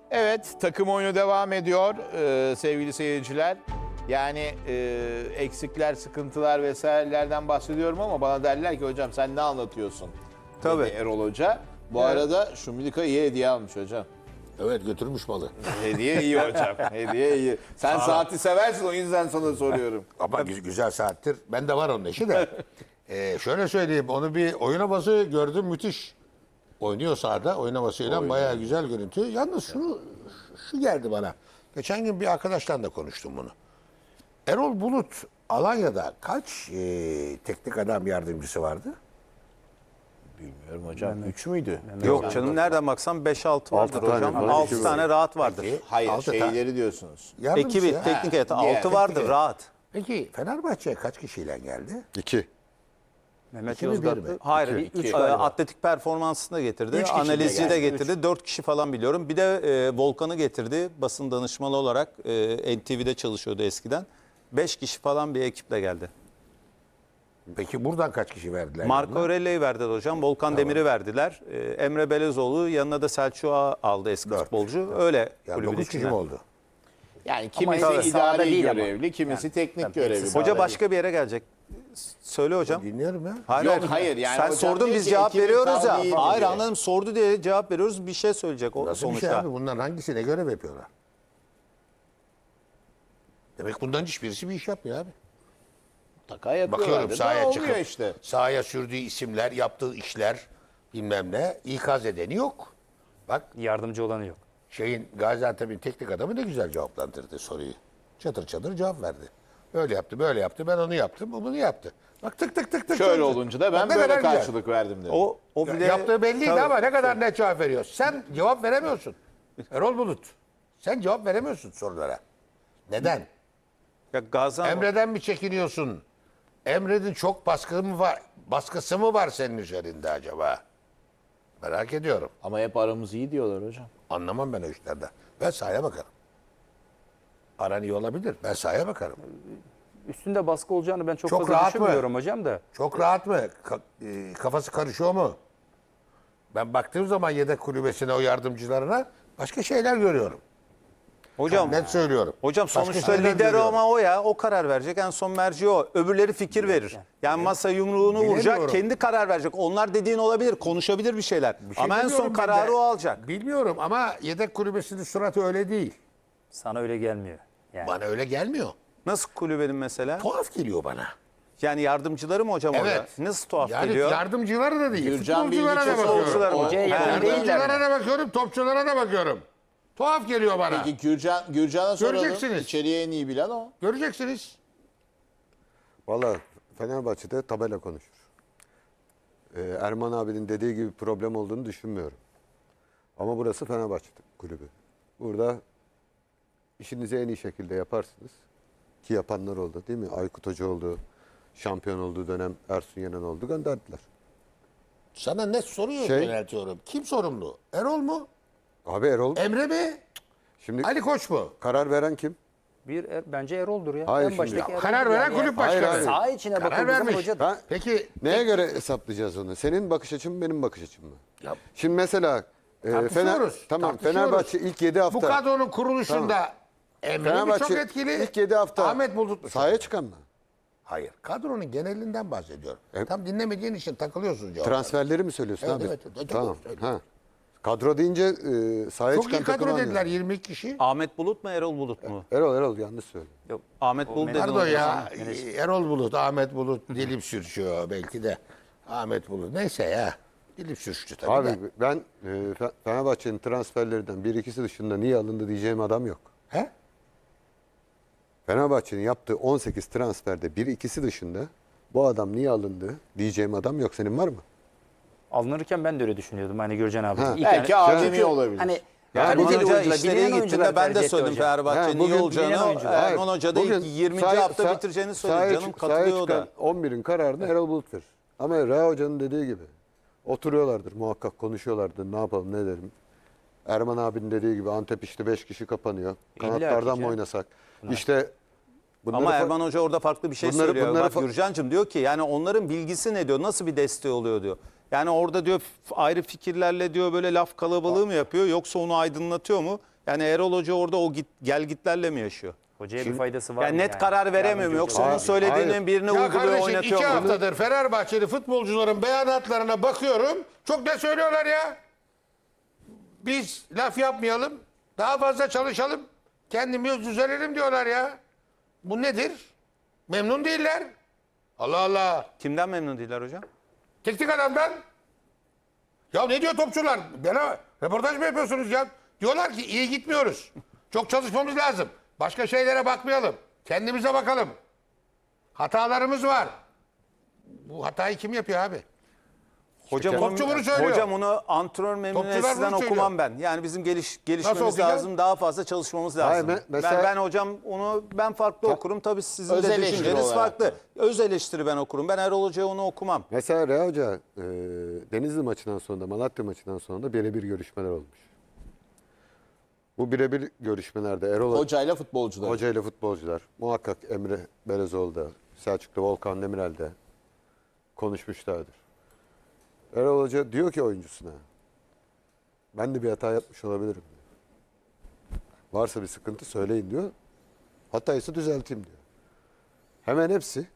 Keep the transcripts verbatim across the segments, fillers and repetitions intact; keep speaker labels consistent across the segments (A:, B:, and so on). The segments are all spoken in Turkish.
A: Evet, takım oyunu devam ediyor ee, sevgili seyirciler. Yani e, eksikler, sıkıntılar vesairelerden bahsediyorum ama bana derler ki hocam sen ne anlatıyorsun?
B: Tabii.
A: Dedi Erol Hoca. Bu arada Şumilika iyi hediye almış hocam.
C: Evet, götürmüş malı.
A: Hediye iyi hocam. Hediye iyi. Sen saati seversin, o yüzden sana soruyorum.
C: Ama gü- güzel saattir. Ben de var onun eşi de. Ee, şöyle söyleyeyim, onu bir oyun havası gördüm, müthiş. Oynuyor sahada, oyun havasıyla bayağı güzel görüntü. Yalnız şunu, şu geldi bana. Geçen gün bir arkadaşla da konuştum bunu. Erol Bulut Alanya'da kaç e, teknik adam yardımcısı vardı?
A: Bilmiyorum hocam. Üç müydü?
B: Yok canım, nereden baksan beş altı vardır
D: tane
B: hocam.
D: falan
B: altı
D: ekibi
B: tane rahat vardır.
C: Peki,
A: Hayır,
C: altı tane.
A: şeyleri diyorsunuz.
C: Yardımcısı
B: Ekibi,
C: ya.
B: teknik heyeti
A: diğer
B: altı vardır
C: teknik-
B: rahat.
C: Peki Fenerbahçe kaç kişiyle geldi?
D: İki.
E: Mehmet
C: İki mi, bir mi?
E: Yozgatlı.
B: Hayır,
A: İki.
B: üç,
A: İki.
B: e, atletik performansını da getirdi.
C: Üç kişi de
B: Analizci de
C: geldi.
B: getirdi. Dört kişi falan biliyorum. Bir de e, Volkan'ı getirdi. Basın danışmanı olarak e, N T V'de çalışıyordu eskiden. Beş kişi falan bir ekiple geldi.
C: Peki buradan kaç kişi verdiler?
B: Marco
C: yanına?
B: Aurelio'yu verdiler hocam. Volkan Demir'i verdiler. E, Emre Belezoğlu yanına da Selçuk'u aldı, eski
C: Dört.
B: futbolcu. Öyle
C: Yani
B: kulübün
C: dokuz kişi
B: içinden.
C: mi oldu?
A: Yani kimisi
E: tabii sahada
A: idari
E: değil ama.
A: görevli, kimisi teknik
E: tabii
A: görevli.
E: hepsi
B: Hoca başka bir yere gelecek. Söyle hocam.
C: Dinliyorum ya.
B: Hayır,
A: Yok,
B: hocam.
A: hayır, yani
B: Sen
A: hocam
B: sordun
A: diyor
B: biz
A: ki
B: cevap
A: ekibin
B: veriyoruz ya.
A: kaldığı iyi
B: Hayır
A: diyor.
B: anladım, sordu diye cevap veriyoruz. Bir şey söyleyecek o
C: Nasıl
B: sonuçta.
C: bir şey abi? Bunların hangisine görev yapıyorlar? Demek bundan hiçbirisi bir iş yapmıyor abi.
A: Mutlaka yapıyorlardı
C: Bakıyorum
A: da
C: sahaya
A: oluyor
C: çıkıp
A: işte.
C: sahaya sürdüğü isimler, yaptığı işler bilmem ne ikaz edeni yok. Bak
E: Yardımcı olanı yok.
C: şeyin Gaziantep'in teknik adamı ne güzel cevaplandırdı soruyu. Çatır çatır cevap verdi. Böyle yaptı, böyle yaptı. Ben onu yaptım, o bunu yaptı. Bak tık tık tık tık.
A: Şöyle
C: tık.
A: olunca da
C: Bak
A: ben
C: ne
A: böyle
C: kadar güzel.
A: karşılık verdim dedi.
B: O o bir de
C: Yaptığı belliydi
B: Tabii.
C: ama ne kadar net cevap veriyor. Sen cevap veremiyorsun. Erol Bulut. Sen cevap veremiyorsun sorulara. Neden?
B: Ya Gaziantep
C: Emre'den mi çekiniyorsun? Emre'nin çok baskı mı var, baskısı mı var senin üzerinde acaba? Merak ediyorum.
A: Ama hep aramız iyi diyorlar hocam.
C: Anlamam ben o işlerden. Ben sahaya bakarım. Aran iyi olabilir. Ben sahaya bakarım.
E: Üstünde baskı olacağını ben çok,
C: Çok
E: fazla
C: rahat mı?
E: düşünmüyorum hocam da.
C: Çok rahat mı? Ka- e, kafası karışıyor mu? Ben baktığım zaman yedek kulübesine, o yardımcılarına başka şeyler görüyorum.
B: hocam
C: Net söylüyorum.
B: hocam
C: Başka
B: sonuçta
C: şeyler
B: lider
C: görüyorum.
B: ama o ya, o karar verecek. En son merci o. Öbürleri fikir verir. Yani masa yumruğunu vuracak,
C: Bilemiyorum.
B: kendi karar verecek. Onlar dediğin olabilir, konuşabilir bir şeyler.
C: Bir şey
B: ama en son
C: demiyorum ben
B: kararı
C: de.
B: o alacak.
C: Bilmiyorum ama yedek kulübesinin suratı öyle değil.
E: Sana öyle gelmiyor. Yani.
C: Bana öyle gelmiyor.
B: Nasıl kulübenin mesela?
C: Tuhaf geliyor bana.
B: Yani yardımcıları mı hocam orada?
C: Evet.
B: Nasıl tuhaf
C: Yani
B: geliyor?
C: yardımcıları da değil.
A: Gürcan
C: Futbolculara
A: Bilgiç'e
C: da bakıyorum.
B: Futbolcular mı?
E: Hocaya yakın
B: Ha.
E: değiller
C: Yardımcılara
E: mi?
C: da bakıyorum, topçulara da bakıyorum. Tuhaf geliyor bana.
A: Peki Gürcan, Gürcan'a soralım.
C: Göreceksiniz.
A: İçeriye en iyi bilen o.
C: Göreceksiniz.
D: Valla Fenerbahçe'de tabela konuşur. Ee, Erman abinin dediği gibi problem olduğunu düşünmüyorum. Ama burası Fenerbahçe kulübü. Burada işinizi en iyi şekilde yaparsınız. Ki yapanlar oldu değil mi? Aykut Hoca oldu. Şampiyon olduğu dönem Ersun Yener oldu. Gönderdiler.
C: Sana ne soruyor
D: Şey-
C: yöneltiyorum. Kim sorumlu? Erol mu?
D: Abi Erol
C: Emre mi?
D: şimdi
C: Ali Koç mu?
D: karar veren kim?
E: Bir er- bence Erol'dur ya.
D: Hayır,
E: en
D: şimdi-
E: baştaki
C: Ya,
E: Erol'dur
C: karar veren
E: yani.
C: kulüp
D: Hayır,
C: başkanı.
D: hayır.
E: Saha içine
C: Karar
E: bakıldığı zaman
C: vermiş.
E: hoca
D: Ben,
C: Peki
D: Neye göre hesaplayacağız onu? Senin bakış açın mı, benim bakış açım mı?
C: Ya-
D: Şimdi mesela e, Fener,
C: tartışıyoruz.
D: tamam
C: tartışıyoruz.
D: Fenerbahçe ilk yedi hafta.
C: Bu kadronun kuruluşunda Emre mi
D: Fenerbahçe
C: çok etkili?
D: ilk yedi hafta
C: Ahmet Bulut mu?
D: sahaya çıkan mı?
C: Hayır. Kadronun genelinden bahsediyorum.
D: E-
C: Tam dinlemediğin için takılıyorsun cevap.
D: Transferleri mi söylüyorsun
C: Evet,
D: abi?
C: evet, evet.
D: Tamam.
C: Söyle.
D: Ha. Kadro deyince e, sahaya
C: Çok
D: çıkan
C: iyi kadro
D: takımı
C: dediler
D: anlıyorum.
C: yirmi iki kişi.
B: Ahmet Bulut mu, Erol Bulut mu?
D: Erol Erol yanlış söylüyor.
B: Yok, Ahmet Bulut dedin
C: Pardon
B: hocam.
C: ya. Erol Bulut, Ahmet Bulut dilim sürçüyor belki de. Ahmet Bulut. Neyse ya. Dilim sürçtü tabii
D: Abi
C: de.
D: ben e, Fe- Fenerbahçe'nin transferlerinden bir ikisi dışında niye alındı diyeceğim adam yok.
C: He?
D: Fenerbahçe'nin yaptığı on sekiz transferde bir ikisi dışında bu adam niye alındı diyeceğim adam yok. Senin var mı?
E: alınırken ben de öyle düşünüyordum. Hani Gürcan abi.
D: Ha.
E: İlk
A: Belki
E: yani-
A: ademi
E: Çünkü
A: olabilir.
E: Hani
B: Yani
E: kaliteli
B: Erman Hoca
E: oyuncular,
B: işleri
E: bilinen
B: iyi
E: oyuncular
B: gittiğinde ben
E: tercih
B: de
E: etti
B: söyledim
E: hocam.
B: Fenerbahçe'nin
D: Ha, bugün-
B: iyi olacağını.
E: bilinen oyuncular.
D: Hayır,
B: Erman Hoca da
D: bugün
B: ilk yirminci
D: sahaya-
B: hafta
D: sah-
B: bitireceğini
D: sahaya
B: söyledi. Canım
D: çık- sahaya
B: katılıyor o da.
D: çıkan on birin kararını Erol Bulut verir. Ama Reha Hoca'nın dediği gibi oturuyorlardır muhakkak, konuşuyorlardır, ne yapalım ne edelim. Erman abinin dediği gibi Antep işte beş kişi kapanıyor. Kanatlardan
E: ki
D: mı
E: canım.
D: oynasak? İşte bunları
B: Ama
D: fa-
B: Erman Hoca orada farklı bir şey
D: Bunları-
B: söylüyor.
D: bunları
B: Bak
D: fa-
B: Gürcan'cığım diyor ki yani onların bilgisi ne diyor? Nasıl bir desteği oluyor diyor. Yani orada diyor f- ayrı fikirlerle diyor böyle laf kalabalığı mı yapıyor yoksa onu aydınlatıyor mu? Yani Erol Hoca orada o git, gel gitlerle mi yaşıyor?
E: Hocaya bir faydası var
B: Yani
E: mı?
B: net karar veremiyor mu?
E: Yardımcı
B: Yoksa
E: hoca
B: onun
E: olarak.
B: söylediğinin
D: Hayır.
B: birini
C: Ya
B: uyguluyor,
C: kardeşim
B: oynatıyor
C: iki
B: mu?
C: haftadır Fenerbahçeli futbolcuların beyanatlarına bakıyorum. Çok ne söylüyorlar ya? Biz laf yapmayalım. Daha fazla çalışalım. Kendimiz düzelelim diyorlar ya. Bu nedir? Memnun değiller. Allah Allah.
B: Kimden memnun değiller hocam?
C: Teknik adamdan. Ya ne diyor topçular? Bana röportaj mı yapıyorsunuz ya? Diyorlar ki iyi gitmiyoruz. Çok çalışmamız lazım. Başka şeylere bakmayalım. Kendimize bakalım. Hatalarımız var. Bu hatayı kim yapıyor abi?
B: Hocam,
C: Topçu
B: onu,
C: bunu söylüyor.
B: hocam onu antrenör
C: Topçular
B: memnuniyetinden
C: bunu
B: okumam
C: söylüyor.
B: ben. Yani bizim geliş, gelişmemiz
C: okuyacağız?
B: lazım. Daha fazla çalışmamız
D: Hayır,
B: lazım.
D: me- mesela-
B: ben, ben hocam onu ben farklı okurum. Tabii sizin
A: Öz
B: de
A: eleştiri
B: düşünceniz
A: olarak.
B: farklı. Öz eleştiri ben okurum. Ben Erol Hoca'ya onu okumam.
D: Mesela Rea Hoca e, Denizli maçından sonra da Malatya maçından sonra da birebir görüşmeler olmuş. Bu birebir görüşmelerde Erol
A: Hocayla futbolcular.
D: Hoca ile futbolcular muhakkak Emre Belezoğlu'da, Selçuk'ta, Volkan Demirel'de konuşmuşlardır. Erol Hoca diyor ki oyuncusuna, ben de bir hata yapmış olabilirim diyor. Varsa bir sıkıntı söyleyin diyor. Hataysa düzelteyim diyor. Hemen hepsi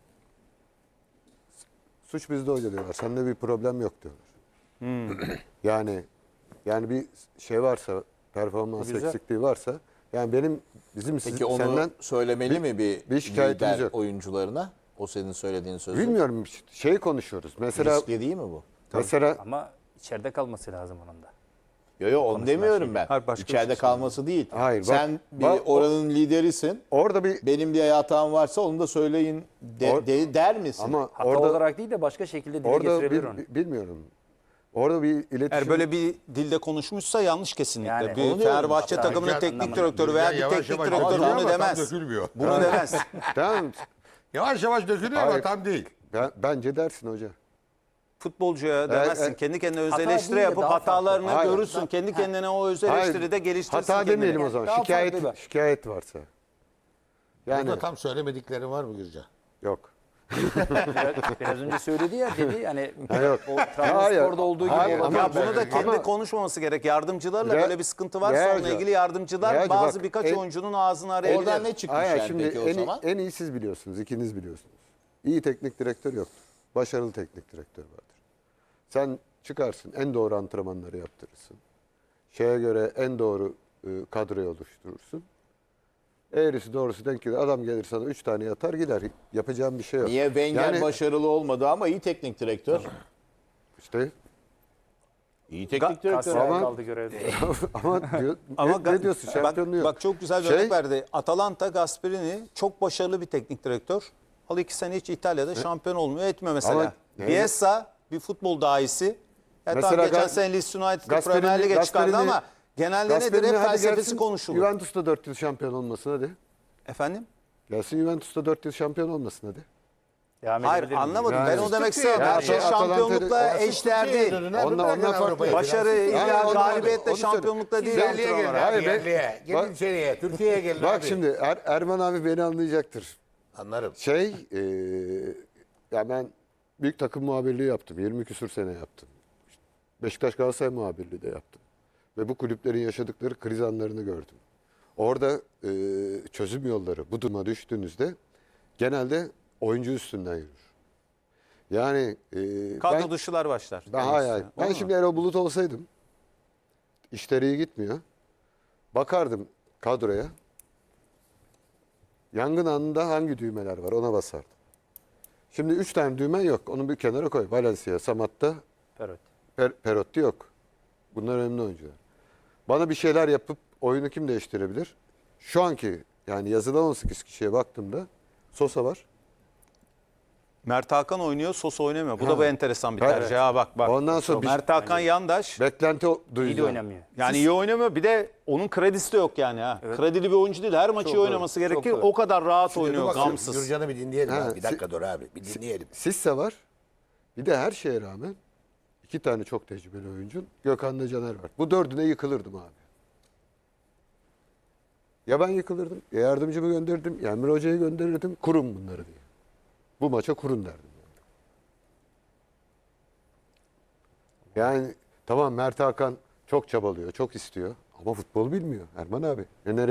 D: suç bizde hoca diyorlar. Sende bir problem yok diyorlar. yani yani bir şey varsa, performans
B: Güzel.
D: eksikliği varsa, yani benim bizim
A: Peki
D: siz-
A: onu
D: senden
A: söylemeli
D: bir-
A: mi bir,
D: bir şikayetimiz
A: lider
D: yok.
A: oyuncularına? O senin söylediğin sözü.
D: bilmiyorum şey konuşuyoruz. Mesela
A: Riskli değil mi bu?
D: mesela
E: Ama içeride kalması lazım onun da.
A: Yo yo onu demiyorum ben.
B: Hayır, başka bir
A: İçeride
B: şey
A: kalması değil.
D: Hayır, bak-
A: Sen bir
D: bak-
A: oranın liderisin.
D: orada bir
A: Benim bir hatam varsa onu da söyleyin de-
D: Or-
A: de- der misin?
D: ama
E: Hata
D: orada
E: olarak değil de başka şekilde dile
D: orada
E: getirebilir
D: bil-
E: onu.
D: bi- bilmiyorum. Orada bir iletişim
B: Eğer böyle bir dilde konuşmuşsa yanlış kesinlikle.
E: Yani
B: bir
E: onu diyorum.
B: Fenerbahçe
E: Hata
B: takımının
C: Gürcan
B: teknik
E: anlamında.
B: direktörü veya bir
C: Yavaş
B: teknik
C: yavaş
B: direktör
C: dökülüyor
B: bunu
C: ama tam
B: demez.
C: dökülmüyor.
B: Bunu demez.
D: tamam.
C: Yavaş yavaş dökülüyor ama
D: Hayır.
C: tam değil.
D: Ben, bence dersin hoca.
B: Futbolcuya demezsin.
D: e,
B: Kendi kendine öz
E: hata
B: eleştiri
E: değil de
B: yapıp
E: daha farklı.
B: hatalarını
D: Hayır.
B: görürsün. Kendi kendine o öz eleştiri de geliştirsin.
D: Hata
B: kendini.
D: demeyelim o zaman.
E: Daha
D: şikayet
E: farklı bir-
D: şikayet varsa. Yani
C: Burada tam söylemedikleri var mı Gürcan?
D: yok.
E: Biraz, biraz önce söyledi ya dedi hani
D: Ha, yok.
E: o
D: Hayır.
E: Trabzonspor'da olduğu gibi
D: Hayır,
E: orada
B: Ya
D: ama-
B: bunu da kendi
D: Ama-
B: konuşmaması gerek. Yardımcılarla
D: Re-
B: böyle bir sıkıntı varsa
D: Realca-
B: onunla ilgili yardımcılar
D: Realca
B: bazı
D: bak,
B: birkaç
D: en-
B: oyuncunun ağzını arayabilir.
A: Oradan ne çıkmış
D: Hayır,
A: yani
D: şimdi
A: peki o
D: en,
A: zaman?
D: en iyi siz biliyorsunuz. İkiniz biliyorsunuz. İyi teknik direktör yoktur. Başarılı teknik direktör vardır. Sen çıkarsın, en doğru antrenmanları yaptırırsın. Şeye göre en doğru e, kadroyu oluşturursun. Eğrisi doğrusu denk gelir. Adam gelir sana üç tane yatar gider. Yapacağım bir şey yok.
A: Niye Wenger
D: Yani
A: başarılı olmadı ama iyi teknik direktör?
D: işte
A: İyi teknik direktör.
E: Galatasaray'a
D: Ama-
E: kaldı görevde.
D: ama diyor,
B: Ama
D: ne, ne diyorsun? Şampiyonluğu
B: bak,
D: yok.
B: bak çok güzel bir
D: Şey-
B: örnek verdi. Atalanta Gasperini çok başarılı bir teknik direktör. Al iki sene hiç İtalya'da şampiyon olmuyor etmiyor mesela.
D: Ama-
B: Bielsa bir futbol dahisi. Ya
D: Mesela
B: tamam, geçen
D: Ga-
B: sene Leeds United'ı
D: Gasperini-
B: Premier Lig'e çıkardı
D: Gasperini-
B: ama genelde nedir?
D: Gasperini
B: Hep
D: hadi
B: felsefesi
D: gelsin,
B: konuşulur.
D: Juventus'ta dört yıl şampiyon olmasın hadi.
B: Efendim?
D: Gelsin Juventus'ta dört yıl şampiyon olmasın hadi.
E: Devam
B: Hayır
E: edebilir miyim?
B: anlamadım.
D: Yani-
B: Ben o demek
C: Türkiye-
B: istedim. Her
D: Ya
B: şey
D: Atalanta-
B: şampiyonlukla
D: Ya
B: eşdeğer değil.
D: Onunla- ondan farklı.
B: Başarı,
D: Yani
B: illa
D: onu-
B: galibiyette
D: onu söyle.
B: şampiyonlukla değil.
C: Yerliye gelin
B: antrenör.
C: abi,
D: Hayır, ben-
C: yerliye. Gelin
D: Bak-
C: içeriye. Türkiye'ye gelin
D: Bak
C: abi.
D: şimdi Er- Erman abi beni anlayacaktır.
C: Anlarım.
D: Şey, e, ya ben büyük takım muhabirliği yaptım. yirmi küsür sene yaptım. Beşiktaş Galatasaray muhabirliği de yaptım. Ve bu kulüplerin yaşadıkları kriz anlarını gördüm. Orada e, çözüm yolları bu duruma düştüğünüzde genelde oyuncu üstünden yürür. Yani e,
B: Kadro
D: ben,
B: dışılar başlar.
D: ben,
B: Demek
D: hayır,
B: istiyor.
D: ben
B: Olur mu?
D: şimdi Erol Bulut olsaydım, işleri iyi gitmiyor. Bakardım kadroya. Yangın anında hangi düğmeler var ona basardım. Şimdi üç tane düğmen yok. Onu bir kenara koy. Valencia, Samatta,
E: Perot.
D: per, Perotti yok. Bunlar önemli oyuncular. Bana bir şeyler yapıp oyunu kim değiştirebilir? Şu anki yani yazılan on sekiz kişiye baktığımda Sosa var.
B: Mert Hakan oynuyor, Sosa oynamıyor. Bu
D: Ha.
B: da bir enteresan bir
D: Evet.
B: tercih. Ha bak bak.
D: Ondan sonra bir-
B: Mert Hakan yandaş.
D: Beklenti o-
E: İyi de
D: duyacağım.
E: oynamıyor.
B: Yani iyi oynamıyor. Bir de onun kredisi de yok yani ha. Kredili bir oyuncu değil. Her maçı iyi
E: doğru,
B: oynaması
E: çok
B: gerekir.
E: doğru.
B: O kadar rahat
C: Şimdi dur
B: oynuyor,
C: bakalım,
B: gamsız.
C: Gürcan'ı bir dinleyelim
D: Ha,
C: abi. Bir dakika
D: si-
C: dur abi. Bir dinleyelim.
D: Sisse var. Bir de her şeye rağmen iki tane çok tecrübeli oyuncu. Gökhan'da Caner var. Bu dördüne yıkılırdım abi. Ya ben yıkılırdım, ya yardımcımı gönderirdim, ya Emre Hoca'yı gönderirdim. Kurun bunları diye. Bu maça kurun derdim. Yani tamam Mert Hakan çok çabalıyor, çok istiyor. Ama futbol bilmiyor Erman abi. Ne nereye